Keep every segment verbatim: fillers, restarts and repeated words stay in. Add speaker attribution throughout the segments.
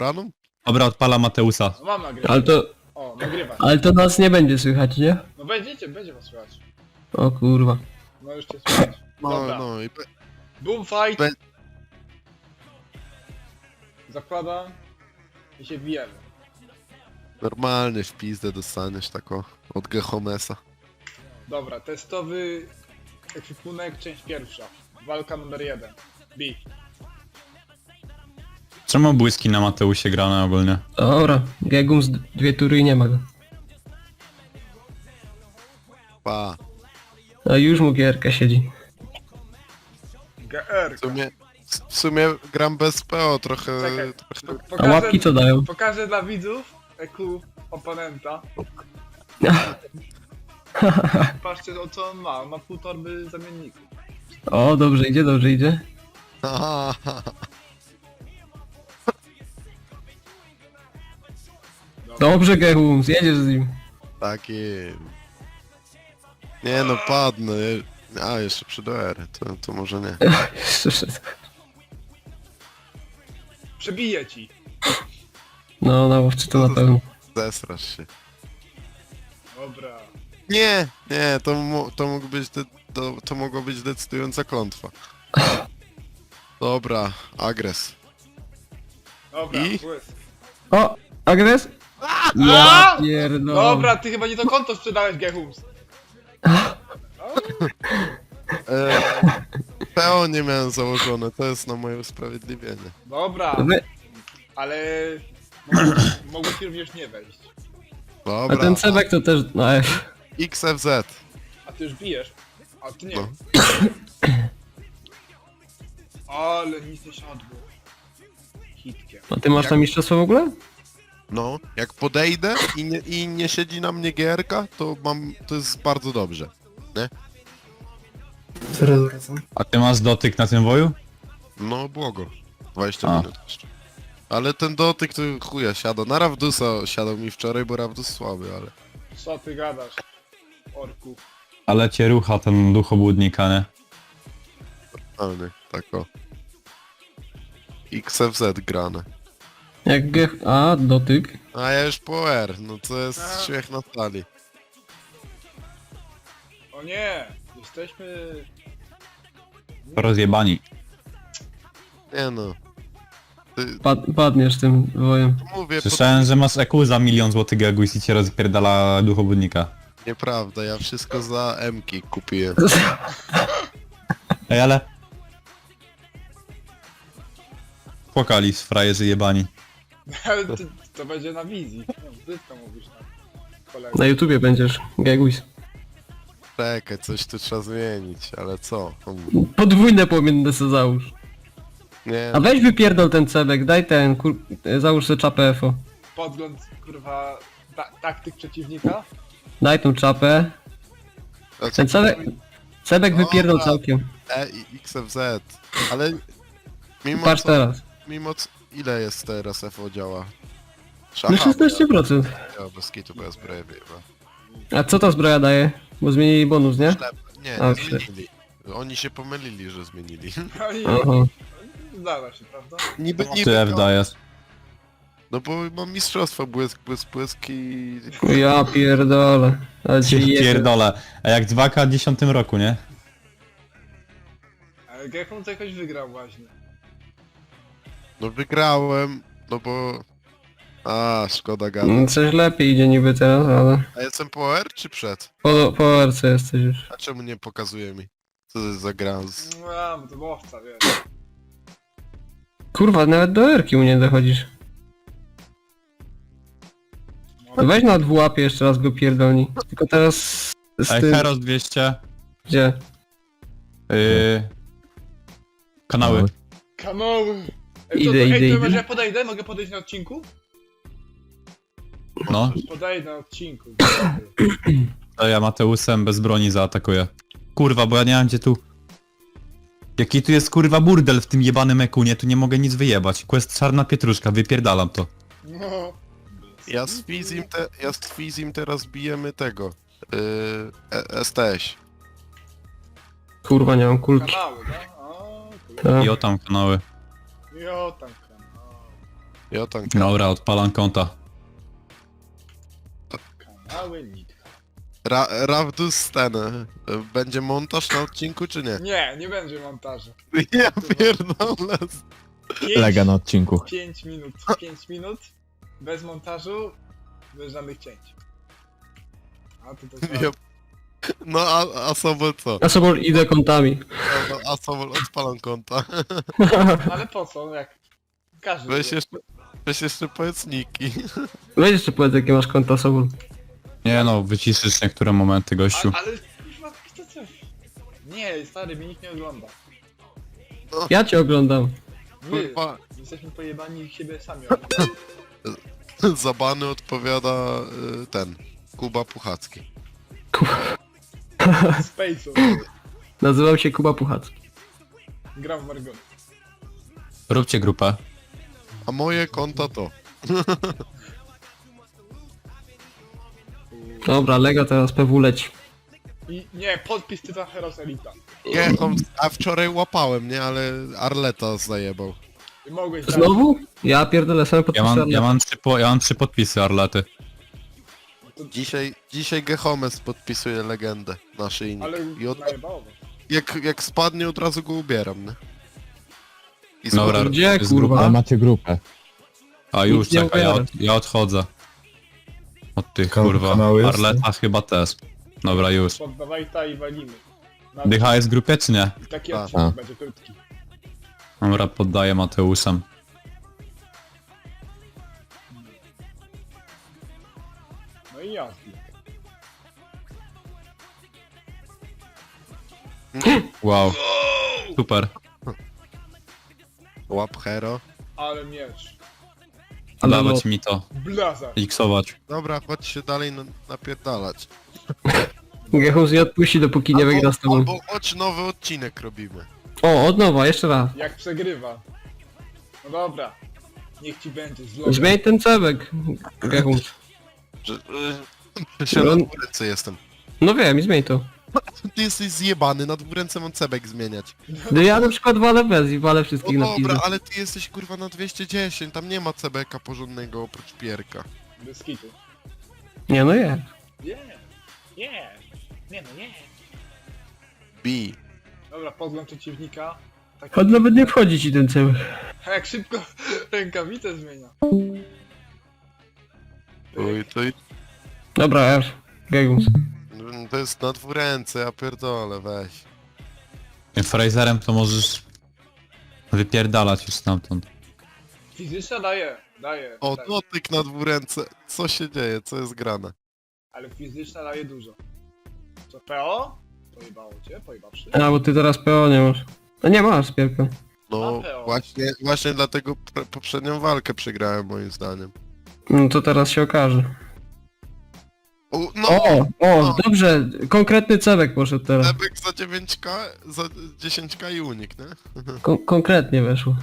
Speaker 1: pobraną?
Speaker 2: Dobra, odpala Mateusa.
Speaker 3: No mam nagrywać.
Speaker 4: Ale to...
Speaker 3: O, nagrywać.
Speaker 4: Ale to nas nie będzie słychać, nie?
Speaker 3: No będziecie, będzie was słychać.
Speaker 4: O kurwa.
Speaker 3: No już cię słychać.
Speaker 1: No,
Speaker 3: Dobra.
Speaker 1: no i... pe-
Speaker 3: Boom fight.
Speaker 1: Be-
Speaker 3: Zakładam. I się bijemy.
Speaker 1: Normalnie w pizdę dostaniesz tako od Gehomesa.
Speaker 3: Dobra, testowy ekwipunek, część pierwsza. Walka numer jeden. Bij.
Speaker 2: Czemu błyski na Mateusie grane ogólnie?
Speaker 4: Dobra, Gegum z dwie tury i nie ma go.
Speaker 1: Pa.
Speaker 4: A już mu gierka siedzi.
Speaker 3: G R.
Speaker 1: W sumie, w sumie gram bez P O, trochę...
Speaker 3: Czekaj.
Speaker 1: trochę...
Speaker 3: Po-
Speaker 4: A łapki co dają?
Speaker 3: Pokażę dla widzów E Q oponenta. Patrzcie o co on ma. On ma pół torby zamienników.
Speaker 4: O, dobrze idzie, dobrze idzie. Dobrze Gegum, zjedziesz z nim.
Speaker 1: Taki... Nie no, padnę. A, jeszcze przy D R, to, to może nie.
Speaker 4: Jeszcze wszystko.
Speaker 3: Przebiję ci.
Speaker 4: No, na łowczy to na pewno.
Speaker 1: Zesrasz się.
Speaker 3: Dobra.
Speaker 1: Nie, nie, to, mo- to mógł być, de- to, to mogła być decydująca klątwa. Dobra, agres.
Speaker 3: Dobra,
Speaker 1: I?
Speaker 3: błysk.
Speaker 4: O, agres? Ja pierdolę.
Speaker 3: Dobra, ty chyba nie to konto sprzedałeś Gehums.
Speaker 1: E, P O nie miałem założone, to jest na moje usprawiedliwienie.
Speaker 3: Dobra,
Speaker 4: Wy...
Speaker 3: ale mogłeś, mogłeś również nie wejść.
Speaker 4: A
Speaker 1: Dobra,
Speaker 4: ten cebek to też na F.
Speaker 1: X F Z.
Speaker 3: A ty już bijesz. A ty nie.
Speaker 1: No.
Speaker 3: Ale nic nie siadło. Hitkiem.
Speaker 4: A ty masz tam mistrzostwo w ogóle?
Speaker 1: No, jak podejdę i nie, i nie siedzi na mnie gierka, to mam, to jest bardzo dobrze. Nie?
Speaker 5: Zaraz wracam.
Speaker 2: A ty masz dotyk na tym woju?
Speaker 1: No, błogo. dwadzieścia
Speaker 2: A.
Speaker 1: minut jeszcze. Ale ten dotyk to chuja siada. Na Ravdusa siadał mi wczoraj, bo Ravdus słaby, ale...
Speaker 3: Co ty gadasz? Orku.
Speaker 2: Ale cię rucha ten duch obłudnika, nie?
Speaker 1: Ale nie, tak o. X F Z grane.
Speaker 4: Jak Gech... A, dotyk.
Speaker 1: A ja już po R, no to jest
Speaker 3: A.
Speaker 1: śmiech na sali.
Speaker 3: O nie! Jesteśmy...
Speaker 2: Rozjebani.
Speaker 1: Nie no. Ty,
Speaker 4: Pad padniesz tym wojem.
Speaker 1: mówię,
Speaker 2: Słyszałem, że masz E Q za milion złotych Geguis i cię rozpierdala duch obłudnika.
Speaker 1: pod... nieprawda, ja wszystko za M-ki kupiłem.
Speaker 2: Ej, ale... Płakali z frajerzy jebani.
Speaker 3: Ale to, to będzie na wizji. No, brzydko mówisz tam. Kolega.
Speaker 4: Na YouTubie będziesz, Geguis.
Speaker 1: Czekaj, coś tu trzeba zmienić, ale co? Um,
Speaker 4: Podwójne płomienne se załóż.
Speaker 1: Nie,
Speaker 4: A weź wypierdol ten cebek, daj ten, kur... załóż sobie czapę F O.
Speaker 3: Podgląd, kurwa, ta taktyk przeciwnika.
Speaker 4: Daj tą czapę.
Speaker 1: znaczy,
Speaker 4: Ten cebek... Cebek
Speaker 1: Dobra.
Speaker 4: wypierdol całkiem.
Speaker 1: E i X F Z, ale mimo
Speaker 4: Patrz
Speaker 1: co,
Speaker 4: teraz.
Speaker 1: mimo co, ile jest teraz F O działa?
Speaker 4: No szesnaście procent.
Speaker 1: Ja bez kitu, bo ja zbroję wyjeba.
Speaker 4: A co ta zbroja daje? Bo zmienili bonus, nie?
Speaker 1: Ślep. Nie,
Speaker 4: A,
Speaker 1: nie
Speaker 4: ślep.
Speaker 1: zmienili. Oni się pomylili, że zmienili.
Speaker 3: Oni...
Speaker 4: Aha.
Speaker 3: Zdarza się, prawda?
Speaker 1: Niby,
Speaker 2: Ty
Speaker 1: niby,
Speaker 2: F
Speaker 1: to-
Speaker 2: dajesz.
Speaker 1: no bo mam mistrzostwo, błysk, błysk, błysk i...
Speaker 4: Ja pierdolę. Ale cię jebie.
Speaker 2: Pierdolę. A jak dwa K w dziesiątym roku, nie?
Speaker 3: Ale Gehum to jakoś wygrał właśnie.
Speaker 1: No wygrałem, no bo... A, szkoda gada.
Speaker 4: No, coś lepiej idzie niby teraz, ale...
Speaker 1: A jestem po R czy przed?
Speaker 4: Po, po R C jesteś już.
Speaker 1: A czemu nie pokazuje mi? Co to jest za gra? Z...
Speaker 3: No, bo to łowca, wiesz.
Speaker 4: Kurwa, nawet do R-ki u nie dochodzisz. No weź na dwułapie jeszcze raz go pierdolni. Tylko teraz z
Speaker 2: Ej,
Speaker 4: tym...
Speaker 2: Heros dwieście.
Speaker 4: Gdzie?
Speaker 2: Yy... Kanały.
Speaker 3: Kanały! Ej,
Speaker 4: Idę,
Speaker 3: to, ej,
Speaker 4: idę,
Speaker 3: to
Speaker 4: idę.
Speaker 3: może ja podejdę? Mogę podejść na odcinku?
Speaker 2: No.
Speaker 3: Podejdę na odcinku.
Speaker 2: To ja Mateusem bez broni zaatakuję. Kurwa, bo ja nie mam gdzie tu... Jaki tu jest kurwa burdel w tym jebanym ekunie, tu nie mogę nic wyjebać. Quest czarna pietruszka, wypierdalam to.
Speaker 3: No.
Speaker 1: Ja z Fizim, te, ja z Fizim teraz bijemy tego. Yy, e- S T S.
Speaker 4: Kurwa, nie mam kulki.
Speaker 3: Kanały, tak? O,
Speaker 4: Tak.
Speaker 2: I o tam kanały.
Speaker 3: jo tam kanały.
Speaker 1: Ja tam
Speaker 2: Dobra, odpalam konta.
Speaker 3: Kanały Nitka.
Speaker 1: Ra Ravdus ten, e, będzie montaż na odcinku czy nie?
Speaker 3: Nie, nie będzie montażu.
Speaker 1: Ja pierdolę.
Speaker 3: Pięć,
Speaker 6: Lega na odcinku.
Speaker 3: pięć minut, pięć minut, bez montażu, bez żadnych cięć. A to to
Speaker 1: Ja... No a, a Sobol co?
Speaker 4: Ja sobie idę kątami.
Speaker 1: No, a Sobol odpalam konta.
Speaker 3: Ale po co, jak każdy
Speaker 1: Weź
Speaker 3: wie.
Speaker 1: jeszcze, weź jeszcze powiedz niki.
Speaker 4: Weź jeszcze powiedz, jakie masz konta sobą.
Speaker 2: Nie no, wyciszysz niektóre momenty, gościu.
Speaker 3: A, ale kurwa, kto co? Nie, stary, mnie nikt nie ogląda.
Speaker 4: Ja cię oglądam.
Speaker 3: My,
Speaker 1: Kurwa,
Speaker 3: jesteśmy pojebani i siebie sami oglądamy.
Speaker 1: za bany odpowiada y, ten, Kuba Puchacki.
Speaker 3: Space'u,
Speaker 4: Nazywam się Kuba Puchacki.
Speaker 3: gram w Margon.
Speaker 2: Róbcie grupę.
Speaker 1: A moje konta to.
Speaker 4: Dobra, Lega teraz P W leci.
Speaker 3: I nie, podpis Tytan Heroes Elita.
Speaker 1: Nie, on, a wczoraj łapałem, nie? Ale Arleta zajebał.
Speaker 3: I mogłeś dać.
Speaker 4: Znowu? Ja pierdolę same
Speaker 2: Ja
Speaker 4: podpisy.
Speaker 2: mam, ja mam, trzy, po, ja mam trzy podpisy Arlety.
Speaker 1: Dzisiaj, dzisiaj Gehomes podpisuje legendę naszyjnik.
Speaker 3: Ale
Speaker 1: I od,
Speaker 3: najebało.
Speaker 1: jak, jak spadnie, od razu go ubieram, nie? I
Speaker 2: Dobra,
Speaker 1: spadł-
Speaker 4: Gdzie,
Speaker 2: jest
Speaker 4: kurwa?
Speaker 2: grupa.
Speaker 6: Ale macie grupę.
Speaker 2: A już,
Speaker 4: Nic nie
Speaker 2: czekaj, ja,
Speaker 4: ubiorę.
Speaker 2: od, ja odchodzę. Od tych,
Speaker 6: Kan-
Speaker 2: kurwa.
Speaker 6: kanały jest?
Speaker 2: Arleta chyba też. Dobra, już.
Speaker 3: Poddawaj ta i walimy. Na
Speaker 2: Dycha jest w grupie, czy nie?
Speaker 3: taki
Speaker 1: A.
Speaker 3: odcinek
Speaker 6: A.
Speaker 3: będzie krótki.
Speaker 2: Dobra, poddaję Mateusem.
Speaker 3: No i ja.
Speaker 2: Wow. Super.
Speaker 1: Łap hero.
Speaker 3: Ale miecz.
Speaker 4: Ale
Speaker 2: Dawać
Speaker 4: no-
Speaker 2: mi to.
Speaker 3: Blaza.
Speaker 2: Xować.
Speaker 1: Dobra, chodź się dalej na, napierdalać.
Speaker 4: Gehus nie odpuści, dopóki nie wygra z tobą.
Speaker 1: albo chodź nowy odcinek robimy.
Speaker 4: O, od nowa, jeszcze raz.
Speaker 3: Jak przegrywa. No dobra. Niech ci będzie zlo.
Speaker 4: Zmień ten cebek, Gehus.
Speaker 1: Że, że się na
Speaker 4: On-
Speaker 1: dwóręce jestem.
Speaker 4: No wiem, i zmień to.
Speaker 1: Ty jesteś zjebany, na dwóręce mam cebek zmieniać.
Speaker 4: No ja na przykład walę bez i walę wszystkich
Speaker 1: No
Speaker 4: na pizdę.
Speaker 1: dobra, ale ty jesteś kurwa na dwieście dziesięć, tam nie ma cebeka porządnego oprócz pierka.
Speaker 3: Bez kitu.
Speaker 4: Nie, no jest.
Speaker 3: Nie. Nie. Nie no nie.
Speaker 1: Bi.
Speaker 3: Dobra, podgląd przeciwnika. Taki...
Speaker 4: Choć nawet nie wchodzi ci ten cebek.
Speaker 3: A jak szybko rękawice zmienia.
Speaker 1: Oj, to,
Speaker 4: Dobra, F. Gehus.
Speaker 1: to jest na dwóręce, ja pierdolę, weź.
Speaker 2: Tym Fraserem to możesz wypierdalać już stamtąd.
Speaker 3: Fizyczna daje. Daje.
Speaker 1: O,
Speaker 3: daje.
Speaker 1: dotyk na dwóręce. Co się dzieje, co jest grane?
Speaker 3: Ale fizyczna daje dużo. Co, P O? Pojebało cię? Pojebawszy?
Speaker 4: A, bo ty teraz P O nie masz. No nie masz, Pierka.
Speaker 1: No
Speaker 3: A P O.
Speaker 1: właśnie, właśnie dlatego pre- poprzednią walkę przegrałem moim zdaniem.
Speaker 4: No to teraz się okaże.
Speaker 1: O, no,
Speaker 4: O, o,
Speaker 1: No.
Speaker 4: dobrze, konkretny cebek poszedł teraz.
Speaker 1: cebek za dziewięć ka, za dziesięć ka i unik, nie?
Speaker 4: Kon konkretnie weszło.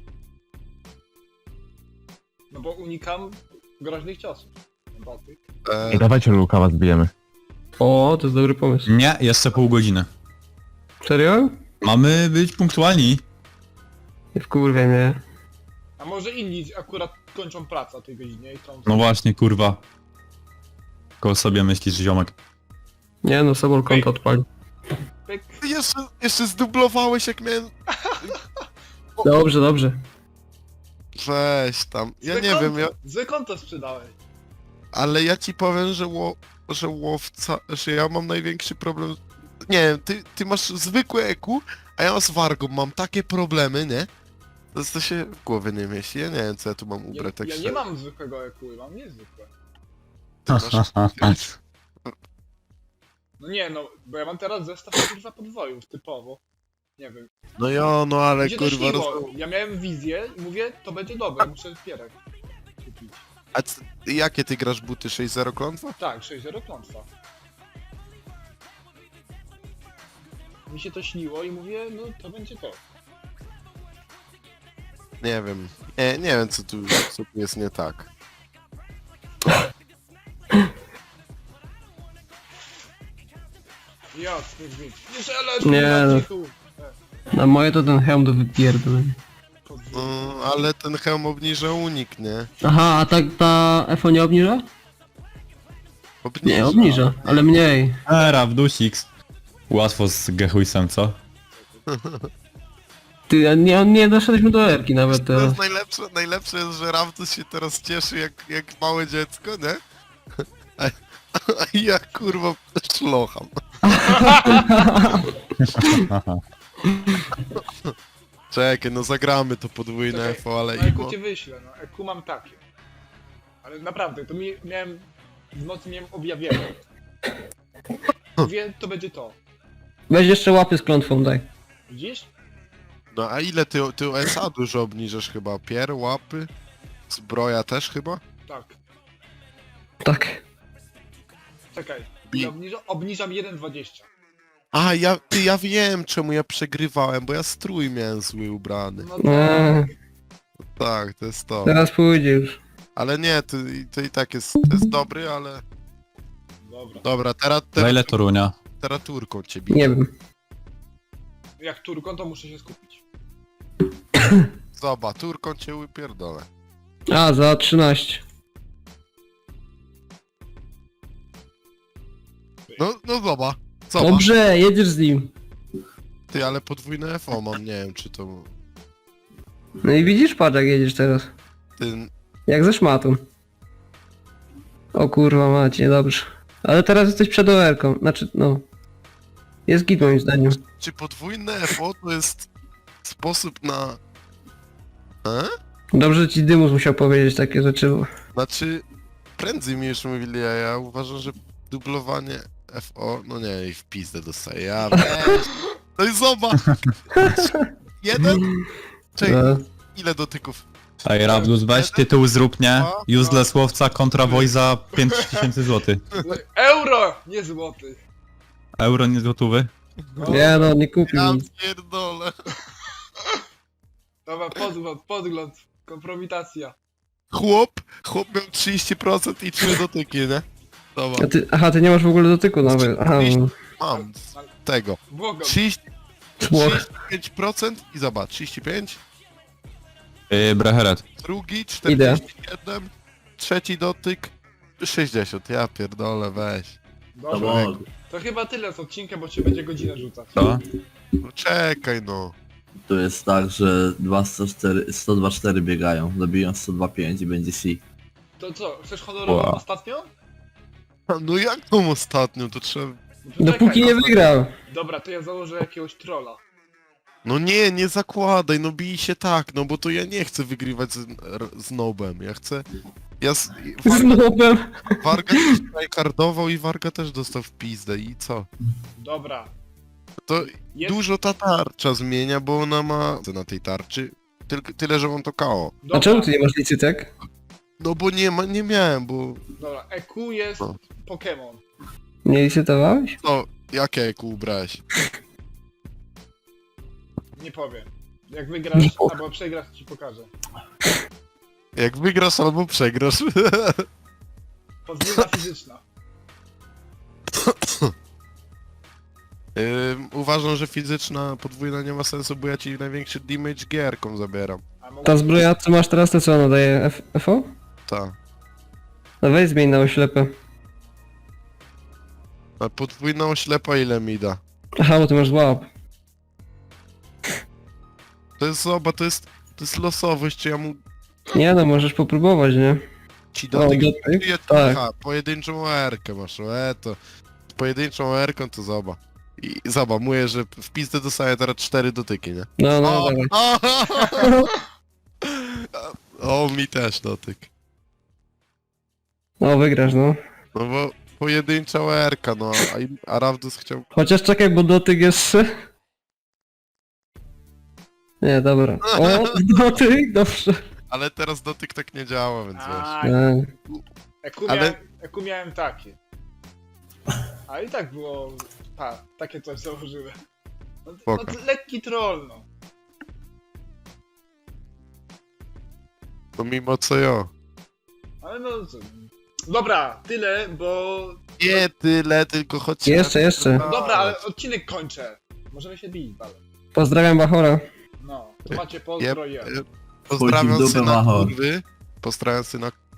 Speaker 3: No bo unikam groźnych ciosów. Dotyk.
Speaker 1: E,
Speaker 6: I dawajcie Lukawa zbijemy.
Speaker 4: O, to jest dobry pomysł.
Speaker 2: Nie, jeszcze pół godziny.
Speaker 4: Serio?
Speaker 2: Mamy być punktualni.
Speaker 4: Nie wkurwiaj mnie.
Speaker 3: A może inni akurat kończą pracę o tej godzinie i chcą...
Speaker 2: No właśnie, kurwa. Koło sobie myślisz, ziomek.
Speaker 4: Nie no, Sobol konto odpali.
Speaker 3: Pyk.
Speaker 1: ty jeszcze, jeszcze zdublowałeś jak miałem...
Speaker 4: Dobrze, dobrze.
Speaker 1: Weź tam, ja
Speaker 3: Złe
Speaker 1: nie
Speaker 3: konto,
Speaker 1: wiem, ja,
Speaker 3: Złe konto sprzedałeś.
Speaker 1: ale ja ci powiem, że, ło, że łowca, że ja mam największy problem... Nie wiem, ty, ty masz zwykłe E Q, a ja z Wargą mam takie problemy, nie? To, to się w głowie nie mieści, ja nie wiem co ja tu mam
Speaker 3: Ja,
Speaker 1: ubrać, tak
Speaker 3: ja
Speaker 1: się...
Speaker 3: nie mam zwykłego E Q, mam niezwykłe.
Speaker 1: masz-
Speaker 3: No nie no, bo ja mam teraz zestaw kurwa podwojów, typowo. Nie wiem.
Speaker 1: No jo, no ale
Speaker 3: Mi się to
Speaker 1: kurwa...
Speaker 3: śniło.
Speaker 1: Roz...
Speaker 3: Ja miałem wizję i mówię, to będzie dobre, muszę pierek kupić.
Speaker 1: A c- jakie ty grasz buty? sześć zero klątwa?
Speaker 3: Tak, sześć zero klątwa. Mi się to śniło i mówię, no to będzie to.
Speaker 1: Nie wiem. Nie, nie wiem co tu, co tu jest nie tak.
Speaker 3: Jasny gwint. Nie żeleć,
Speaker 4: Nie,
Speaker 3: kurwa,
Speaker 4: no.
Speaker 3: cichu.
Speaker 4: Na moje to ten hełm do wypierdolenia.
Speaker 3: Podwójny.
Speaker 1: No, ale ten hełm obniża unik, nie?
Speaker 4: Aha, a tak ta F O nie obniża?
Speaker 1: Obniża.
Speaker 4: Nie, obniża, ale mniej.
Speaker 2: Era, w dusix. Łatwo z Gehuisem, co?
Speaker 4: Ty, a nie, nie doszedliśmy do erki nawet
Speaker 1: To
Speaker 4: teraz.
Speaker 1: jest najlepsze, najlepsze jest, że Ravtus się teraz cieszy jak, jak małe dziecko, nie? A, a ja kurwa szlocham. Czekaj, no zagramy to podwójne
Speaker 3: Czekaj,
Speaker 1: F O, ale
Speaker 3: no
Speaker 1: imo...
Speaker 3: Eku ci wyślę, no Eku mam takie. Ale naprawdę, to mi miałem... W nocy miałem objawienie. Mówię, to będzie to.
Speaker 4: Weź jeszcze łapy z klątwą, daj.
Speaker 3: Widzisz?
Speaker 1: No a ile ty, ty S A dużo obniżasz chyba? Pier, łapy? Zbroja też chyba?
Speaker 3: Tak.
Speaker 4: Tak.
Speaker 3: Czekaj.
Speaker 1: Bi-
Speaker 3: Ja obniżam, obniżam jeden dwadzieścia.
Speaker 1: A, ja, ty, ja wiem czemu ja przegrywałem, bo ja strój miałem zły ubrany.
Speaker 3: No
Speaker 4: Eee,
Speaker 3: tak.
Speaker 1: Tak, to jest to.
Speaker 4: teraz pójdzie już.
Speaker 1: Ale nie, to, to i tak jest, to jest dobry, ale...
Speaker 3: Dobra.
Speaker 1: Dobra, teraz,
Speaker 2: Za
Speaker 1: teraz,
Speaker 2: ile Torunia?
Speaker 1: teraz turką cię biję.
Speaker 4: Nie wiem.
Speaker 3: Jak turką, to muszę się skupić.
Speaker 1: Zobacz, turką cię wypierdolę.
Speaker 4: A, za trzynaście.
Speaker 1: No, no zobacz. Zobacz.
Speaker 4: Dobrze, jedziesz z nim.
Speaker 1: Ty, ale podwójne F O mam, nie wiem czy to...
Speaker 4: No i widzisz, patrz jak jedziesz teraz.
Speaker 1: Ty...
Speaker 4: Jak ze szmatą. O kurwa macie, dobrze. Ale teraz jesteś przed O R-ką, znaczy, no. Jest git moim zdaniem.
Speaker 1: Czy podwójne F O to jest sposób na... E?
Speaker 4: Dobrze, że ci Dymus musiał powiedzieć takie rzeczy, bo...
Speaker 1: Znaczy, prędzej mi już mówili, a ja uważam, że dublowanie F O, no nie, i w pizdę dostaję, ja weź. No i zobacz! Jeden? Czekaj,
Speaker 4: No.
Speaker 1: ile dotyków?
Speaker 2: Ej, Ravdus, weź tytuł zrób, nie? Useless łowca kontra Wojza pięć tysięcy złotych.
Speaker 3: Euro! Nie złoty.
Speaker 2: Euro, nie złotówy?
Speaker 3: No.
Speaker 4: Nie no, nie kupił
Speaker 1: Ja
Speaker 4: nic.
Speaker 1: pierdolę.
Speaker 3: Dobra, podgląd, podgląd. Kompromitacja.
Speaker 1: Chłop, chłop miał trzydzieści procent i trzy dotyki, nie? Dobra,
Speaker 4: A ty, aha, ty nie masz w ogóle dotyku nawet. Aha, no.
Speaker 1: mam z tego.
Speaker 3: Błogam.
Speaker 1: trzydzieści,
Speaker 4: Słoch.
Speaker 1: trzydzieści pięć procent i zobacz, trzydzieści pięć,
Speaker 2: Yy, Breheret.
Speaker 1: drugi czterdzieści siedem, trzeci dotyk sześćdziesiąt. Ja pierdolę, weź.
Speaker 3: Dobra. To chyba tyle z odcinka, bo się będzie godzinę rzucać.
Speaker 2: Co?
Speaker 1: No czekaj no.
Speaker 7: Tu jest tak, że dwa sto cztery, sto dwadzieścia cztery biegają, dobiją sto dwadzieścia pięć i będzie C.
Speaker 3: To co, chcesz honorową
Speaker 2: Wow.
Speaker 3: ostatnią?
Speaker 1: No jak tą ostatnią, to trzeba...
Speaker 3: No to
Speaker 4: Dopóki
Speaker 3: czekaj.
Speaker 4: nie wygrał.
Speaker 3: Dobra, to ja założę jakiegoś trolla.
Speaker 1: No nie, nie zakładaj, no bij się tak, no bo to ja nie chcę wygrywać z, r- z nobem, ja chcę... Ja z...
Speaker 4: Z
Speaker 1: Warga,
Speaker 4: nobem.
Speaker 1: Warga też tryhardował i Warga też dostał w pizdę i co?
Speaker 3: Dobra.
Speaker 1: To
Speaker 3: Jest...
Speaker 1: dużo ta tarcza zmienia, bo ona ma na tej tarczy tylko tyle, że mam to K O.
Speaker 3: Dobra.
Speaker 4: A czemu ty nie masz licytek?
Speaker 1: No bo nie ma, nie miałem, bo...
Speaker 3: Dobra, E Q jest
Speaker 1: No.
Speaker 3: Pokémon.
Speaker 4: Nie licytowałeś?
Speaker 1: No, jakie kół ubrałeś?
Speaker 3: Nie powiem. Jak wygrasz
Speaker 4: Nie powiem.
Speaker 3: albo przegrasz, to ci pokażę.
Speaker 1: Jak wygrasz albo przegrasz.
Speaker 3: Podwójna fizyczna.
Speaker 1: Ym, uważam, że fizyczna podwójna nie ma sensu, bo ja ci największy damage gierką zabieram.
Speaker 3: A mogę...
Speaker 4: Ta zbroja, co masz teraz, to co ona daje? F FO?
Speaker 1: Ta.
Speaker 4: No weź zmień na oślepę.
Speaker 1: A podwójna oślepa ile mi da?
Speaker 4: Aha, bo ty masz łap.
Speaker 1: To jest zoba, to jest... To jest losowość, czy ja mu
Speaker 4: Nie no, możesz popróbować, nie?
Speaker 1: ci
Speaker 4: O,
Speaker 1: dotyk...
Speaker 4: dotyk?
Speaker 1: Ja-
Speaker 4: Tak.
Speaker 1: Aha, pojedynczą erkę masz, e to... Z pojedynczą erką to zoba. I zoba, mówię, że w pizdę dostaję teraz cztery dotyki, nie?
Speaker 4: No, no,
Speaker 1: O,
Speaker 4: dawaj.
Speaker 1: o, mi też dotyk.
Speaker 4: No, wygrasz, no.
Speaker 1: No bo pojedyncza erka, no, a, im- a Ravdus chciał...
Speaker 4: Chociaż czekaj, bo dotyk jest... Nie, dobra. O, dotyk, dobrze.
Speaker 1: Ale teraz dotyk tak nie działa, więc wiesz.
Speaker 3: A,
Speaker 4: E,
Speaker 3: E Q
Speaker 1: Ale-
Speaker 3: miałem, E Q miałem takie. A i tak było... Pa, takie coś założyłem. No, no
Speaker 1: Spoko.
Speaker 3: to lekki troll, no.
Speaker 1: No mimo co ja.
Speaker 3: Ale no co... Dobra, tyle, bo...
Speaker 1: Nie tyle, tylko chodź...
Speaker 4: Jeszcze, jeszcze.
Speaker 3: No dobra, ale odcinek kończę. Możemy się bić, ale...
Speaker 4: Pozdrawiam Bachora.
Speaker 3: No, to macie pozdro
Speaker 1: Jeb,
Speaker 3: i ja.
Speaker 1: jeb.
Speaker 7: Chodzi w
Speaker 1: Pozdrawiam
Speaker 7: dupę
Speaker 1: syna
Speaker 7: Machor.
Speaker 1: kurwy. Pozdrawiam syna